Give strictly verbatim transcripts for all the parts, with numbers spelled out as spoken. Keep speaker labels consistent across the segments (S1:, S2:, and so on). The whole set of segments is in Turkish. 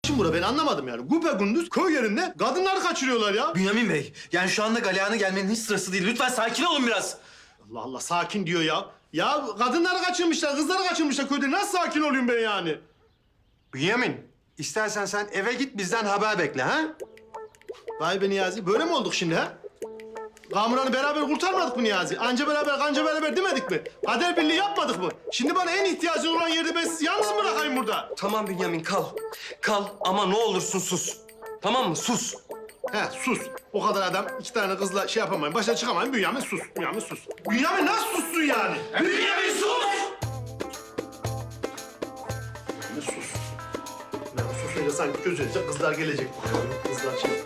S1: Şimdi bura ben anlamadım yani. Güpegündüz köy yerinde kadınları kaçırıyorlar ya.
S2: Bünyamin Bey, yani şu anda galeyana gelmenin hiç sırası değil. Lütfen sakin olun biraz.
S1: Allah Allah sakin diyor ya. Ya kadınları kaçırmışlar, kızları kaçırmışlar köyde. Nasıl sakin olayım ben yani?
S3: Bünyamin, istersen sen eve git bizden haber bekle ha?
S1: Vay be Niyazi, böyle mi olduk şimdi ha? Kamuran'ı beraber kurtarmadık mı Niyazi? Anca beraber, kanca beraber demedik mi? Kader birliği yapmadık mı? Şimdi bana en ihtiyacın olan yerde ben sizi yalnız mı bırakayım burada?
S2: Tamam Bünyamin, kal. Kal ama ne olursun sus. Tamam mı? Sus.
S1: He sus. O kadar adam iki tane kızla şey yapamayın. Başa çıkamayın. Bünyamin sus. Bünyamin sus. Bünyamin nasıl sussun yani?
S2: Bünyamin sus!
S1: Bünyamin sus. Bünyamin susunca sanki gözünüze kızlar gelecek. Kızlar şey...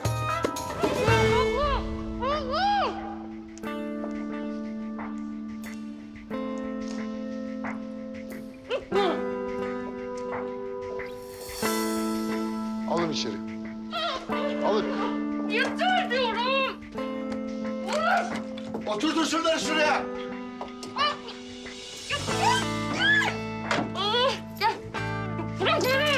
S4: Alın içeri. Alın.
S5: Yeter diyorum.
S4: Oturtur şunları şuraya.
S5: Ah, gel. Bırak beni.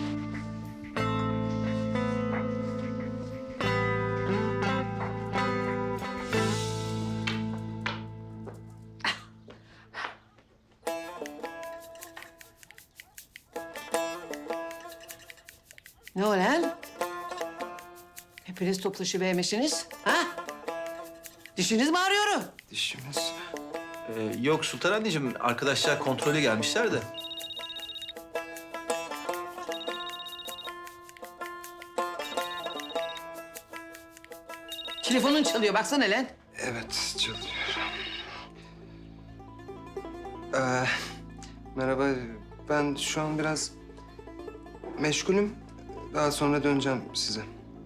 S6: Ne o lan? Hepiniz toplaşıvermişsiniz, ha? Dişiniz mi ağrıyor?
S2: Dişimiz... Ee, yok Sultan anneciğim, arkadaşlar kontrole gelmişler de.
S6: Telefonun çalıyor, baksana lan.
S7: Evet, çalıyor. Ee, merhaba, ben şu an biraz meşgulüm. Daha sonra döneceğim size.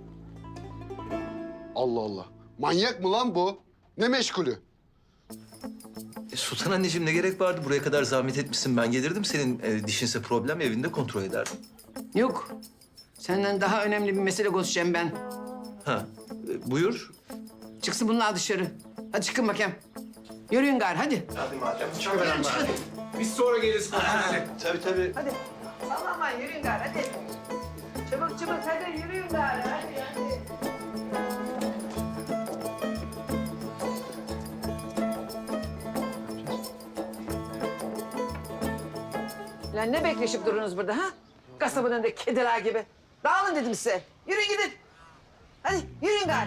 S4: Allah Allah. Manyak mı lan bu? Ne meşgulü?
S2: E, Sultan anneciğim ne gerek vardı? Buraya kadar zahmet etmişsin. Ben gelirdim. Senin e, dişinse problem evinde kontrol ederdim.
S6: Yok, senden daha önemli bir mesele konuşacağım ben.
S2: Ha, e, buyur.
S6: Çıksın bunlar dışarı. Hadi çıkın bakayım. Yürüyün gari, hadi.
S1: Hadi madem. Çok
S6: Yürüyün,
S1: önemli.
S6: çıkın.
S3: Biz sonra geliriz.
S2: Tabii tabii.
S6: Hadi. Sallanmayın, yürüyün gari, hadi. Çabuk çabuk, hadi yürüyün gari, hadi, hadi. Lan ne bekleşip durunuz burada ha? Kasabın önünde kediler gibi. Dağılın dedim size. Yürüyün gidin. Hadi yürüyün gari.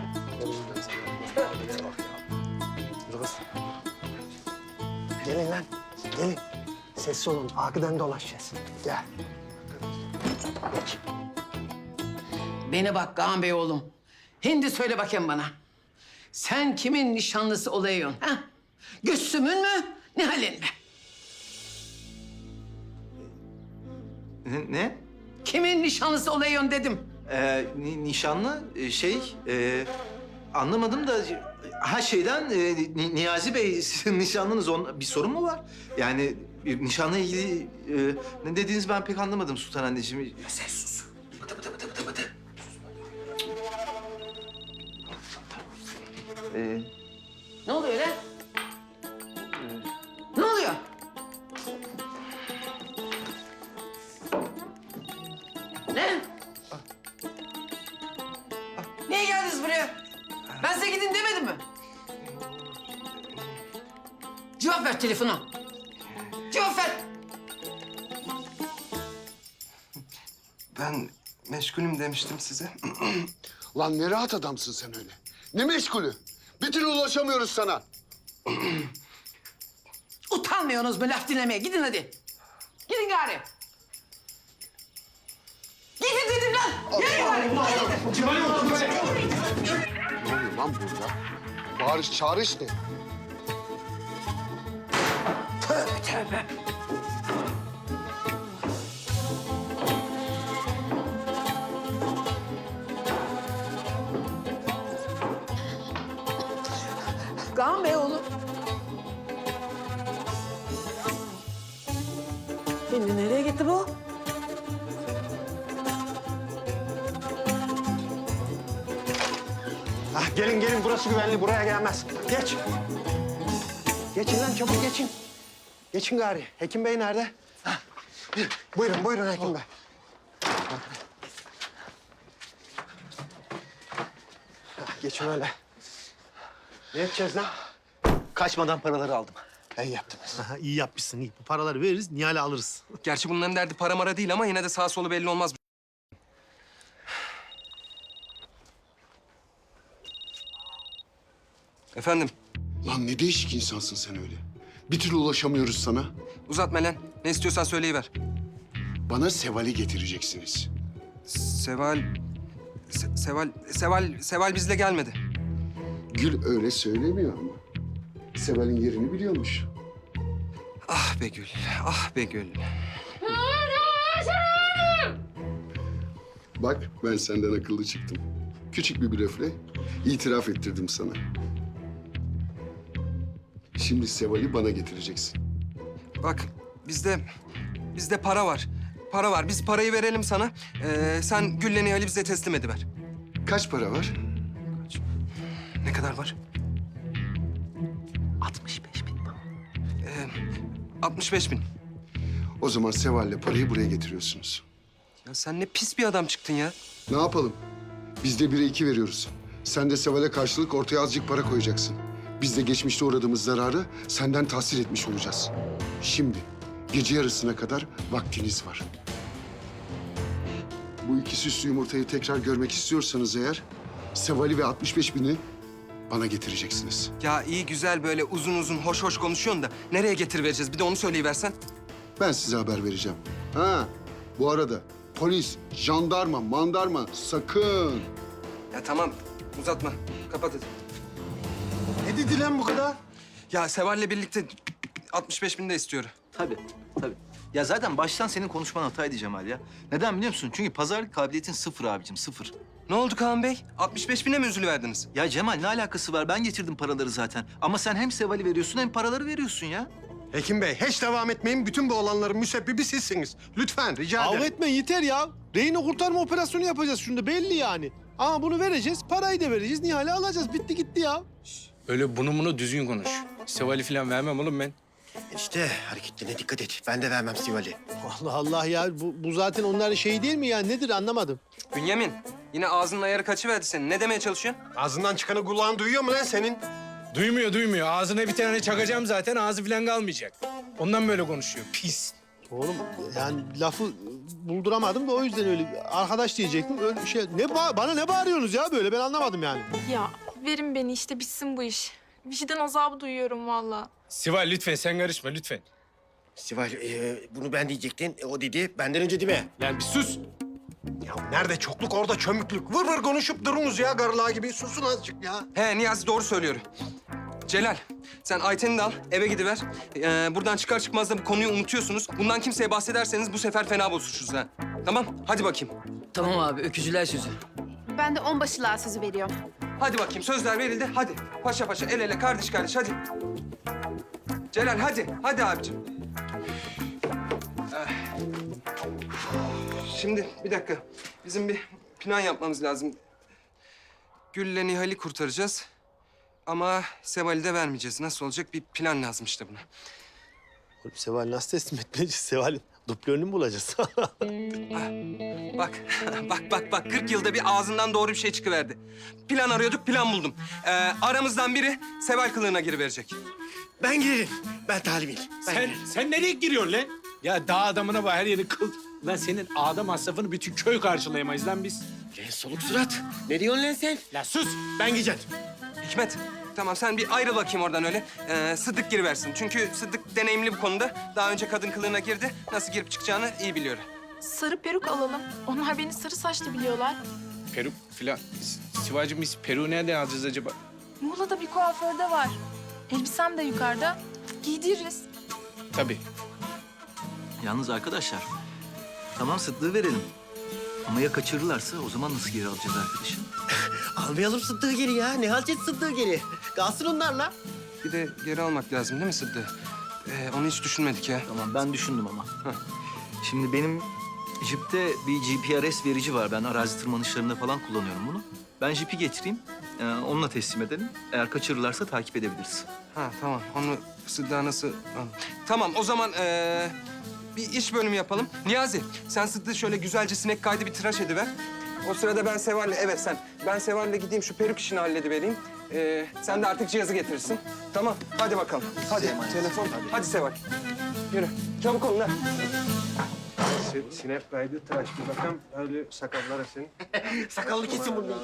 S8: Gelin lan, gelin. Sessiz olun, arkadan dolaşacağız. Gel. Geç.
S6: Beni bak Kaan Bey oğlum. Hindi söyle bakayım bana. Sen kimin nişanlısı olayıyorsun ha? Güssüm'ün mü, Nihal'in mi?
S2: Ne? ne?
S6: Kimin nişanlısı olayıyorsun dedim.
S2: Ee, ni- nişanlı e, şey... E, anlamadım da... Ha şeyden e, Ni- Niyazi Bey, sizin nişanlınız. On, bir sorun mu var? Yani e, nişanla ilgili e, ne dediğinizi ben pek anlamadım Sultan anneciğim. Sen sus. Bıdı bıdı bıdı bıdı bıdı. Ee,
S6: Ne oluyor lan? Ne oluyor? Ne? Niye geldiniz buraya? Ben size gidin demedim mi? Cevap ver telefona. Cevap ver.
S7: Ben meşgulüm demiştim size.
S4: Lan ne rahat adamsın sen öyle. Ne meşgulü? Bir türlü ulaşamıyoruz sana.
S6: Utanmıyorsunuz mu laf dinlemeye? Gidin hadi. Gidin gari. Gidin dedim lan. Yürüyün gari. Gidin.
S4: Ne oluyor lan burada? Bağırış çağırış ne?
S6: Tövbe tövbe. Kaan Bey oğlum. Şimdi nereye gitti bu?
S8: Ah, gelin gelin, burası güvenli, buraya gelmez. Geç. Geçin lan, çabuk geçin. Geçin gari. Hekim Bey nerede? Hah. Buyurun, buyurun Hekim Bey. geçin öyle. Ne edeceğiz lan?
S2: Kaçmadan paraları aldım.
S8: İyi yaptınız.
S1: Aha, iyi yapmışsın iyi. Bu paraları veririz, Nihal'i alırız.
S7: Gerçi bunların derdi para mara değil ama yine de sağ solu belli olmaz. Efendim,
S4: Lan ne değişik insansın sen öyle. Bir türlü ulaşamıyoruz sana.
S7: uzatma lan. Ne istiyorsan söyleyiver.
S4: Bana Seval'i getireceksiniz.
S7: Seval... Se- Seval... Seval... Seval bizle gelmedi.
S4: Gül öyle söylemiyor ama. Seval'in yerini biliyormuş.
S7: Ah be Gül, ah be Gül.
S4: Bak ben senden akıllı çıktım. Küçük bir blöfle itiraf ettirdim sana. Şimdi Seval'i bana getireceksin.
S7: Bak, bizde... Bizde para var. Para var. Biz parayı verelim sana. Ee, sen Gül'le Nihal'i bize teslim ediver.
S4: Kaç para var?
S7: Ne kadar var?
S2: altmış beş bin.
S7: Ee, altmış beş bin.
S4: O zaman Seval'le parayı buraya getiriyorsunuz.
S7: Ya sen ne pis bir adam çıktın ya.
S4: Ne yapalım? Biz de bire iki veriyoruz. Sen de Seval'e karşılık ortaya azıcık para koyacaksın. Biz de geçmişte uğradığımız zararı senden tahsil etmiş olacağız. Şimdi gece yarısına kadar vaktiniz var. Bu iki süslü yumurtayı tekrar görmek istiyorsanız eğer... Seval'i ve altmış beş bini bana getireceksiniz.
S7: Ya iyi güzel böyle uzun uzun hoş hoş konuşuyorsun da nereye getirivereceğiz? Bir de onu söyleyiversen.
S4: Ben size haber vereceğim. Ha, bu arada polis, jandarma, mandarma sakın.
S7: Ya tamam uzatma. Kapat hadi.
S3: Ne dedi lan bu kadar?
S7: Ya Seval'le birlikte altmış beş bin de istiyor.
S2: Tabii, tabii. Ya zaten baştan senin konuşman hataydı Cemal ya. Neden biliyor musun? Çünkü pazarlık kabiliyetin sıfır abicim, sıfır.
S7: Ne oldu Kaan Bey? altmış beş bine mi üzülüverdiniz?
S2: Ya Cemal ne alakası var? Ben getirdim paraları zaten. Ama sen hem Seval'i veriyorsun hem paraları veriyorsun ya.
S3: Hekim Bey hiç devam etmeyin. Bütün bu olanların müsebbibi sizsiniz. Lütfen rica
S1: Kavga
S3: ederim.
S1: etmeyin yeter ya. Rehine kurtarma operasyonu yapacağız şunda belli yani. Ama bunu vereceğiz, parayı da vereceğiz, Nihal'i alacağız. Bitti gitti ya.
S9: Öyle bunu bunu düzgün konuş. Seval'i falan vermem oğlum ben.
S8: İşte hareketlerine dikkat et. Ben de vermem Sival'i.
S1: Allah Allah ya bu, bu zaten onların şeyi değil mi ya? Nedir anlamadım.
S7: Bünyamin yine ağzının ayarı kaçıverdi senin. Ne demeye çalışıyorsun?
S3: Ağzından çıkanı kulağın duyuyor mu lan senin?
S9: Duymuyor duymuyor. Ağzına bir tane çakacağım zaten. Ağzı falan kalmayacak. Ondan böyle konuşuyor. Pis.
S1: Oğlum yani lafı bulduramadım da o yüzden öyle arkadaş diyecektim. Öyle şey ne ba- bana ne bağırıyorsunuz ya böyle ben anlamadım yani.
S10: Ya verin beni işte bitsin bu iş. Vicdan azabı duyuyorum vallahi.
S9: Sival lütfen sen karışma lütfen.
S8: Sival e, bunu ben diyecektin. E, o dedi benden önce değil mi?
S9: Yani bir sus.
S3: Ya nerede çokluk orada çömüklük. Vır vır konuşup durunuz ya garlığa gibi. Susun azıcık ya.
S7: He Niyazi doğru söylüyor. Celal sen Ayten'i de al eve gidiver. Ee, buradan çıkar çıkmaz da bu konuyu unutuyorsunuz. Bundan kimseye bahsederseniz bu sefer fena bozuşuruz ha. Tamam hadi bakayım.
S6: Tamam abi öküzüler sözü.
S10: Ben de onbaşılığa sözü veriyorum.
S7: Hadi bakayım sözler verildi hadi. Paşa paşa el ele kardeş kardeş hadi. Celal hadi hadi abicim. Eh. Şimdi bir dakika. Bizim bir plan yapmamız lazım. Gül'le Nihal'i kurtaracağız. Ama Seval'i de vermeyeceğiz. Nasıl olacak? Bir plan lazım işte buna.
S1: Oğlum Seval nasıl teslim etmeyeceğiz? Seval'in dublörünü mü bulacağız?
S7: Bak, bak, bak, bak. kırk yılda bir ağzından doğru bir şey çıkıverdi. Plan arıyorduk, plan buldum. Ee, aramızdan biri Seval kılığına giriverecek.
S8: Ben girerim. Ben talibim. Ben
S9: Sen,
S8: girerim.
S9: sen nereye giriyorsun lan? Ya dağ adamına bak her yeri kıl. Lan senin ağda masrafını bütün köy karşılayamayız lan biz.
S8: Lan soluk surat. Ne diyorsun lan sen?
S9: Lan sus.
S8: Ben gideceğim.
S7: Hikmet, tamam sen bir ayrıl bakayım oradan öyle. Ee, Sıddık giriversin. Çünkü Sıddık deneyimli bu konuda. Daha önce kadın kılığına girdi. Nasıl girip çıkacağını iyi biliyor.
S10: Sarı peruk alalım. Onlar beni sarı saçlı biliyorlar.
S9: Peruk filan. S- Sivacığım biz peruğu nereden alacağız acaba?
S10: Muğla'da bir kuaförde var. Elbisem de yukarıda. Giydiririz.
S9: Tabii.
S2: Yalnız arkadaşlar, tamam Sıddık'ı verelim. Ama ya kaçırırlarsa o zaman nasıl geri alacağız arkadaşı?
S8: Almayalım Sıddık'ı geri ya. Ne halledeceğiz Sıddık'ı geri? Kalsın onlarla.
S7: Bir de geri almak lazım değil mi Sıddık? Ee, onu hiç düşünmedik ya.
S2: Tamam ben düşündüm ama. Şimdi benim jipte bir G P R S verici var. Ben arazi tırmanışlarında falan kullanıyorum bunu. Ben jipi getireyim, e, onunla teslim edelim. Eğer kaçırırlarsa takip edebiliriz.
S7: Ha tamam. Onu Sıddık'a nasıl... Ha. Tamam o zaman ee, bir iş bölümü yapalım. Niyazi sen Sıddık'ı şöyle güzelce sinek kaydı bir tıraş ediver. O sırada ben Seval'le, evet sen. Ben Seval'le gideyim şu peruk işini halledivereyim. Ee, sen de artık cihazı getirirsin. Tamam, hadi bakalım. Hadi, telefon. Hadi Seval. Yürü, çabuk olun lan.
S3: Sinep kaydı tıraş. Bir bakalım öyle sakallara senin.
S8: Sakallı kesin bunu.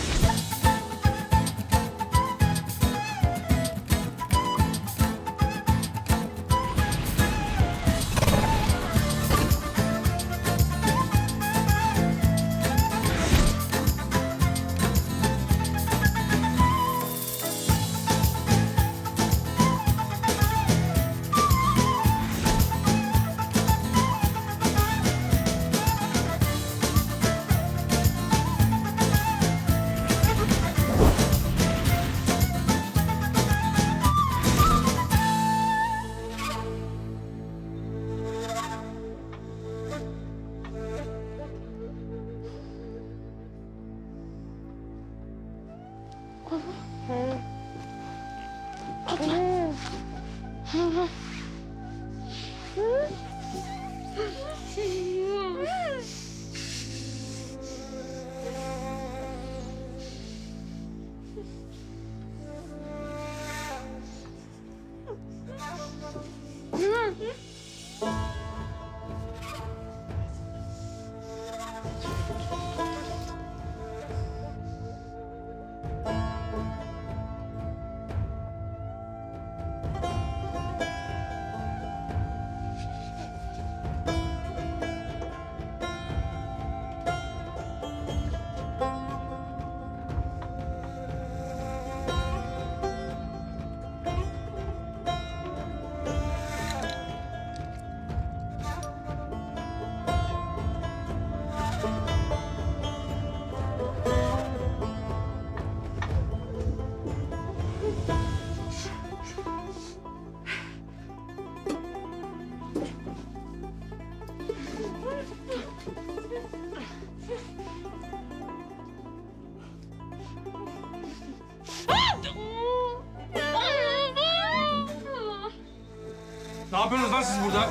S9: Ne yapıyorsunuz lan siz burada?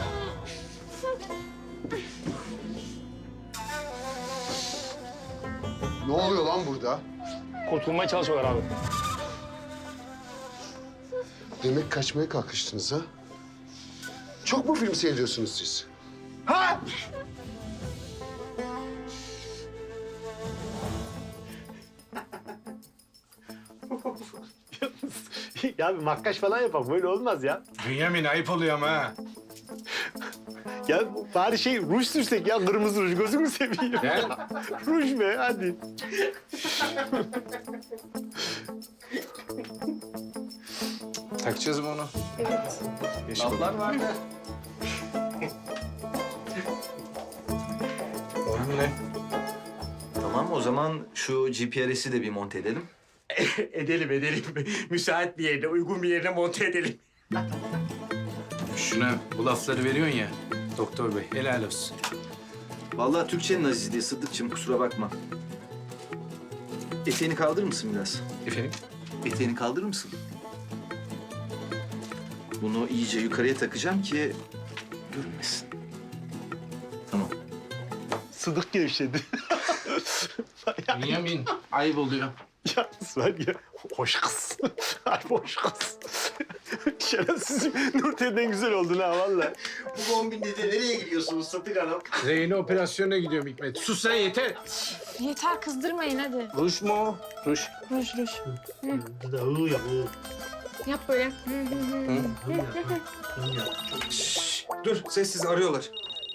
S4: Ne oluyor lan burada?
S9: Kurtulmaya çalışıyorlar abi.
S4: Demek kaçmaya kalkıştınız ha? Çok mu film seyrediyorsunuz siz? Ha?
S1: Ya bir makyaj falan yapalım. Böyle olmaz ya.
S9: Bünyamin ayıp oluyor ama ha.
S1: Ya bari şey ruj sürsek ya. Kırmızı ruj. Gözünü seveyim.
S9: Ne?
S1: Ruj be hadi.
S9: Takacağız mı onu? Evet.
S2: Laflar vardı.
S9: Oğlum ne?
S2: Tamam, o zaman şu G P R S'i de bir monte edelim.
S8: Edelim edelim. Müsait bir yerine, uygun bir yerine monte edelim.
S9: Şuna bu lafları veriyorsun ya doktor bey. Helal olsun.
S2: Vallahi Türkçenin azizliği Sıddıkçım, kusura bakma. Eteğini kaldırır mısın biraz?
S9: Efendim?
S2: Eteğini kaldırır mısın? Bunu iyice yukarıya takacağım ki görünmesin. Tamam.
S1: Sıdık gevşedi.
S9: Bünyamin ayıp oluyor.
S1: Yalnız var ya, hoş kız. Ay hoş kız. Şerefsizim, Nurten'den güzel oldun ha vallahi.
S8: Bu kombinle de nereye gidiyorsunuz Satık Hanım?
S9: Reyne operasyonuna gidiyorum Hikmet. Sus sen yeter.
S10: Yeter kızdırmayın hadi.
S9: Ruj mu o? Ruj.
S10: Ruj ruj.
S1: Hı ya, hı.
S10: Yap böyle. Hı hı hı.
S7: Şşş, dur, sessiz arıyorlar.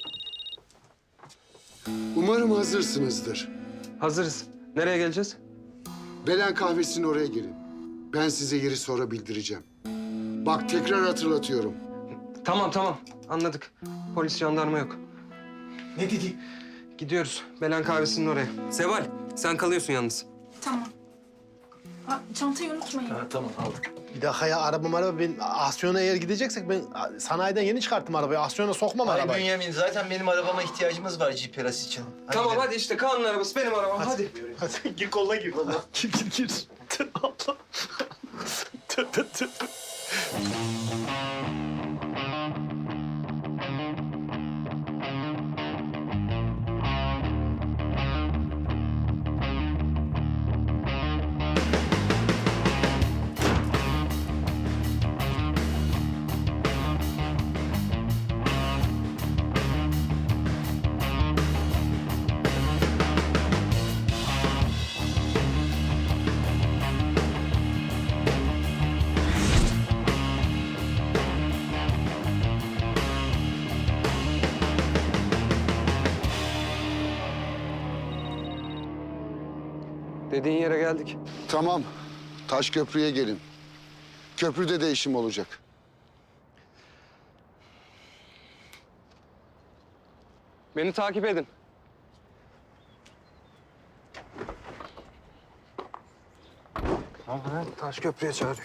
S4: Umarım hazırsınızdır.
S7: Hazırız. Nereye geleceğiz?
S4: Belen kahvesinin oraya gelin. Ben size yeri sonra bildireceğim. Bak tekrar hatırlatıyorum.
S7: Tamam, tamam. Anladık. Polis, jandarma yok.
S8: Ne dedi?
S7: Gidiyoruz. Belen kahvesinin oraya. Seval, sen kalıyorsun yalnız.
S10: Tamam. Aa, çantayı unutmayın.
S2: Ha, tamam, aldık.
S1: Bir dakika ya, araba araba ben Asyon'a eğer gideceksek ben sanayiden yeni çıkarttım arabayı. Asyon'a sokmam
S2: Ay
S1: arabayı.
S2: Bünyamin, zaten benim arabama ihtiyacımız var G P R S için. Hadi
S7: Tamam,
S2: gidelim.
S7: hadi işte Kaan'ın arabası, benim arabam. Hadi.
S1: Hadi gir kolla gir kolla. Gir gir gir. Allah. Tövbe tövbe.
S7: Dediğin yere geldik.
S4: Tamam. Taş köprüye gelin. Köprüde değişim olacak.
S7: Beni takip edin.
S3: Taş köprüye çağırıyor.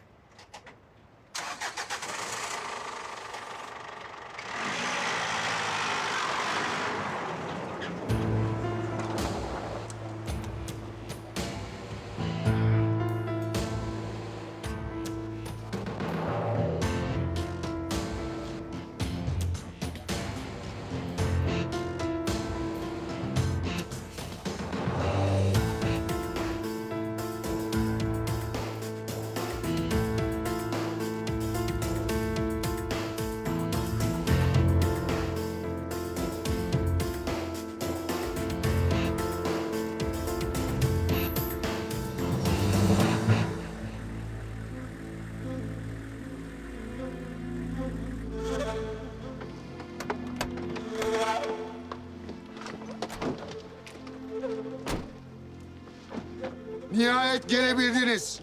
S4: Nihayet gelebildiniz.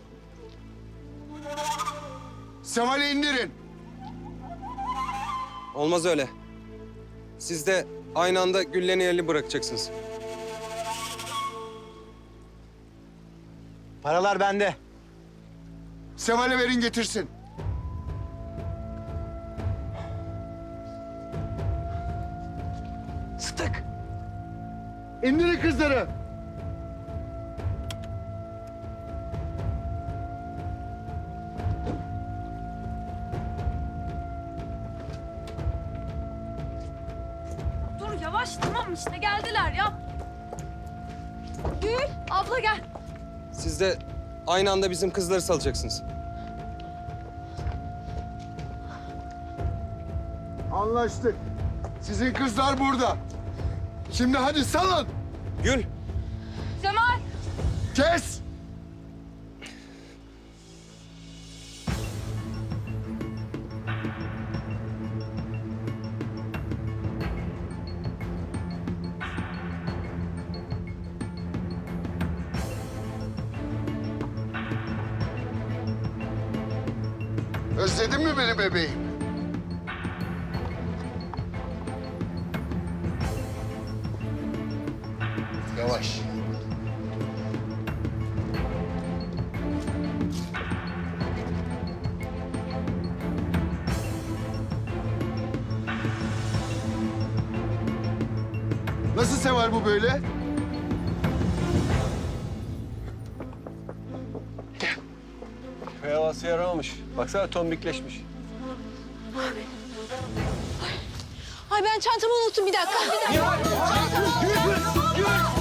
S4: Seval'i indirin.
S7: Olmaz öyle. Siz de aynı anda Güllen'i yerli bırakacaksınız.
S8: Paralar bende.
S4: Seval'e verin getirsin.
S3: Sıtık.
S4: İndirin kızları.
S10: Dur yavaş tamam işte geldiler ya. Gül abla gel.
S7: Siz de aynı anda bizim kızları salacaksınız.
S4: Anlaştık. Sizin kızlar burada. Şimdi hadi salın.
S7: Gül,
S10: Cemal.
S4: Kes. Özledin mi beni bebeğim? Yavaş. Nasıl sever bu böyle?
S8: Köy havası yaramamış. Baksana tombikleşmiş.
S10: Ay ben çantamı unuttum bir dakika. Bir dakika.
S3: Gül, Gül, Gül.